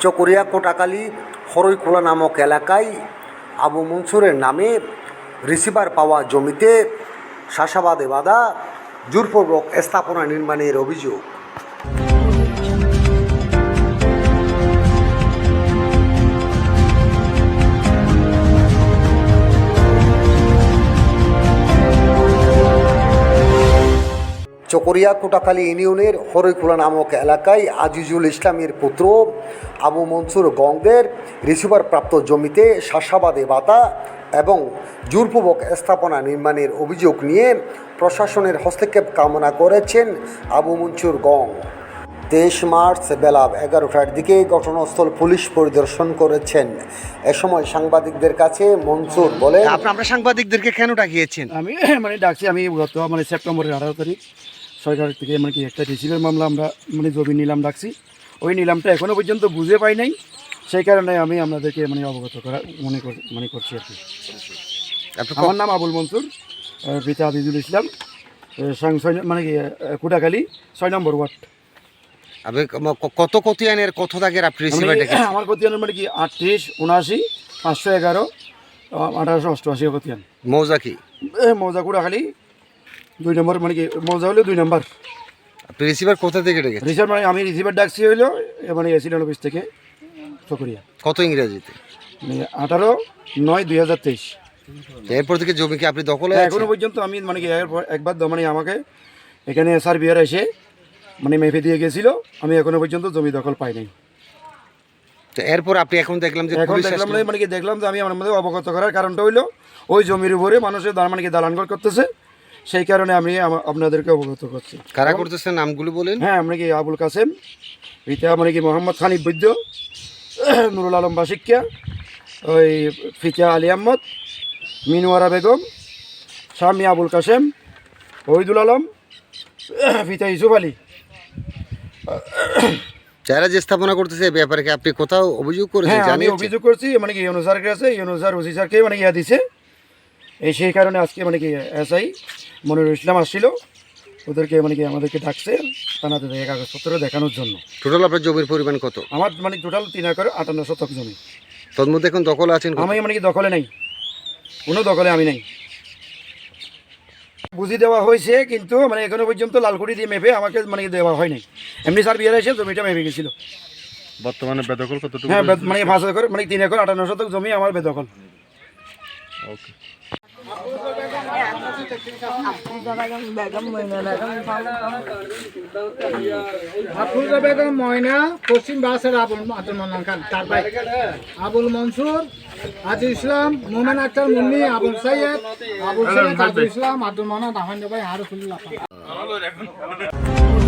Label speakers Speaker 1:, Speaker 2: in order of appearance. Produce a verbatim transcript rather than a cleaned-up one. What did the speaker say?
Speaker 1: চকরিয়া কোটাকালী হরইখোলা নামক এলাকায় আবু মনসুরের নামে রিসিভার পাওয়া জমিতে চাষাবাদে বাধা, জোরপূর্বক স্থাপনা নির্মাণের অভিযোগ। চকরিয়া কোটাকালী ইউনিয়নের হরইখোলা নামক এলাকায় আজিজুল ইসলামের পুত্র আবু মনসুর গংদের রিসিভার প্রাপ্ত জমিতে চাষাবাদে বাধা এবং জোরপূর্বক স্থাপনা নির্মাণের অভিযোগ নিয়ে প্রশাসনের হস্তক্ষেপ কামনা করেছেন আবু মনসুর গং। তেইশ মার্চ বেলা এগারোটার দিকে ঘটনাস্থল পুলিশ পরিদর্শন করেছেন। এ সময় সাংবাদিকদের কাছে মনসুর বলেন,
Speaker 2: আপনারা সাংবাদিকদেরকে কেন ডাকিয়েছেন?
Speaker 3: আমি মানে ডাকছি, আমি গত মানে সেপ্টেম্বরের আঠারো তারিখ সরকার থেকে মানে কি একটা রিসিভের মামলা আমরা মানে জমি নিলাম ডাকছি। ওই নিলামটা এখনও পর্যন্ত বুঝে পাই নাই, সেই কারণে আমি আপনাদেরকে মানে অবগত করা মনে মনে করছি আর কি। আমার নাম আবুল মনসুর, পিতা আজিজুল ইসলাম, মানে কি কোটাকালী ছয় নম্বর ওয়ার্ড।
Speaker 2: কত কতিয়ানের কত দাগের আপনি রিসিভার ডেকেছেন?
Speaker 3: আমার কতিয়ানের মানে কি আটত্রিশ, উনআশি, পাঁচশো এগারো, আঠারোশো অষ্টআশি কতিয়ান।
Speaker 2: মৌজা কি?
Speaker 3: মৌজা কোটাকালী দুই নম্বর, মানে কি মৌজা হলো দুই নম্বর।
Speaker 2: আপনি রিসিভার কোথা থেকে ডেকেছেন?
Speaker 3: রিসিভার মানে আমি রিসিভার ডাকছি হইলো মানে এসিডেন্ট অফিস থেকে চকরিয়া।
Speaker 2: কত ইংরেজিতে?
Speaker 3: মানে আঠারো নয় দুই হাজার তেইশ।
Speaker 2: এরপর থেকে জমি কি আপনি দখলে?
Speaker 3: এখনো পর্যন্ত আমি মানে কি একবার মানে আমাকে এখানে সার্ভিয়ার এসে মানে মেপে দিয়ে গেছিল, আমি এখনো পর্যন্ত জমি দখল পাই নাই।
Speaker 2: তো এরপর আপনি এখন দেখলাম যে
Speaker 3: এখন দেখলাম মানে কি দেখলাম যে আমি আমার মধ্যে অবগত করার কারণটা হইলো ওই জমির উপরে মানুষের মানে কি দালানঘর করতেছে, সেই কারণে আমি আপনাদেরকে অবগত করছি।
Speaker 2: কারা করতেছেন নামগুলো বলেন?
Speaker 3: হ্যাঁ, আমরা কি আবুল কাসেম, পিতা মানে কি মোহাম্মদ খানিফ বৈদ্য, নুরুল আলম বাসিকা, ওই ফিতা আলী আহমদ, মিনুয়ারা বেগম, স্বামী আবুল কাসেম, ওহিদুল আলম, পিতা ইউসুফ আলী।
Speaker 2: যারা যে স্থাপনা করতেছে এই ব্যাপারে কি আপনি কোথাও অভিযোগ করেছেন?
Speaker 3: হ্যাঁ, আমি অভিযোগ করছি, মানে কি ইউনুস স্যারের কাছে, ইউনুস স্যার ওসি স্যারকে মানে ইয়া দিছে। এই সেই কারণে আজকে মানে কি এসআই মনিরুল ইসলাম আসছিল, ওদেরকে মানে কি আমাদেরকে ডাকছে থানাতে দেখে কাগজপত্র দেখানোর জন্য।
Speaker 2: টোটাল আপনার জমির পরিমাণ কত?
Speaker 3: আমার মানে টোটাল তিন একর আটান্ন শতক জমি।
Speaker 2: তোর মধ্যে এখন দখল আছেন?
Speaker 3: আমি মানে কি দখলে নাই, কোনো দখলে আমি নাই। বুঝি দেওয়া হয়েছে, কিন্তু মানে এখনো পর্যন্ত লালকুড়ি দিয়ে মেপে আমাকে মানে দেওয়া হয় নাই। এমনি স্যার বিয়ে এসে জমিটা মেপে গেছিল।
Speaker 4: বর্তমানে বেদখল কতটুকু?
Speaker 3: হ্যাঁ, মানে পাঁচ একর মানে তিন একর আটান্ন শতক জমি আমার বেদখল।
Speaker 4: ওকে।
Speaker 5: আফরোজা বেগম ময়না, পশ্চিম বাসের আবুল আব্দুল মান্নান খান, তার ভাই আবুল মনসুর, আজিজ ইসলাম, মোমেন আক্তার মুন্নি, আবুল সাইয়েদ, আবুল সাইয়েদ, আজিজ ইসলাম, আব্দুল মান্নান, আহমেদ ভাই, হারুফুল্লাহ।